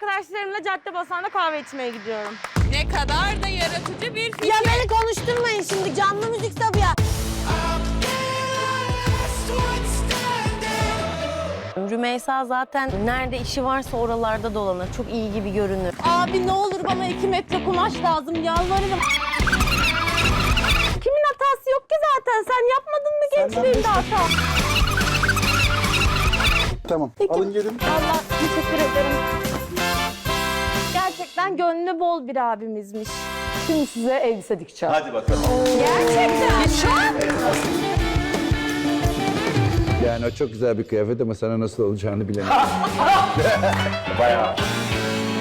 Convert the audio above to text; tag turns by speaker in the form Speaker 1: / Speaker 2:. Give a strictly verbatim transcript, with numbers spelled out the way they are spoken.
Speaker 1: arkadaşlarımla Caddebostan'da kahve içmeye gidiyorum.
Speaker 2: Ne kadar da yaratıcı bir fikir.
Speaker 1: Ya beni konuşturmayın şimdi, canlı müzik tabii ya. Rümeysa zaten nerede işi varsa oralarda dolanır. Çok iyi gibi görünür. Abi ne olur bana iki metre kumaş lazım, yalvarırım. Kimin hatası yok ki zaten? Sen yapmadın mı gençliğinde hata?
Speaker 3: Tamam,
Speaker 1: Peki.
Speaker 3: alın gelin.
Speaker 1: Allah teşekkür ederim. Gerçekten gönlü bol bir abimizmiş.
Speaker 4: Şimdi size elbise dikeceğim.
Speaker 5: Hadi bakalım.
Speaker 1: Gerçekten.
Speaker 3: Yani o çok güzel bir kıyafet ama sana nasıl olacağını bilemem.
Speaker 5: Bayağı.